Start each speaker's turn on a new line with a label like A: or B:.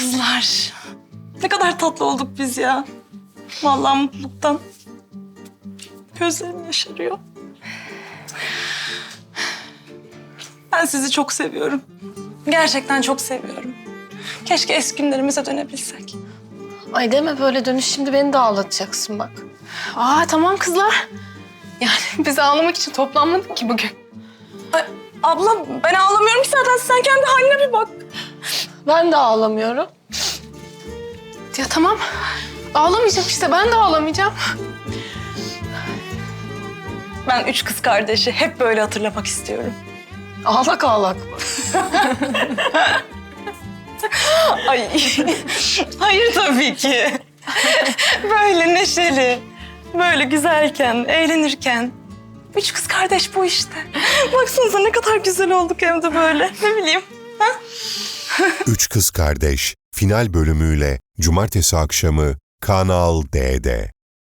A: kızlar. Ne kadar tatlı olduk biz ya. Vallahi mutluluktan gözlerim yaşarıyor. Ben sizi çok seviyorum. Gerçekten çok seviyorum. Keşke eski günlerimize dönebilsek.
B: Ay deme böyle, dönüş şimdi beni de ağlatacaksın bak.
C: Tamam kızlar. Yani biz ağlamak için toplanmadık ki bugün.
A: Ay, abla ben ağlamıyorum ki zaten. Sen kendi haline bir bak.
B: Ben de ağlamıyorum.
C: Ya tamam. Ağlamayacağım işte, ben de ağlamayacağım.
A: Ben üç kız kardeşi hep böyle hatırlamak istiyorum.
B: Ağlak ağlak mı?
A: Ay, hayır tabii ki. Böyle neşeli, böyle güzelken, eğlenirken. Üç kız kardeş bu işte. Baksanıza ne kadar güzel olduk hem de böyle. Ne bileyim. Ha?
D: Üç Kız Kardeş final bölümüyle Cumartesi akşamı Kanal D'de.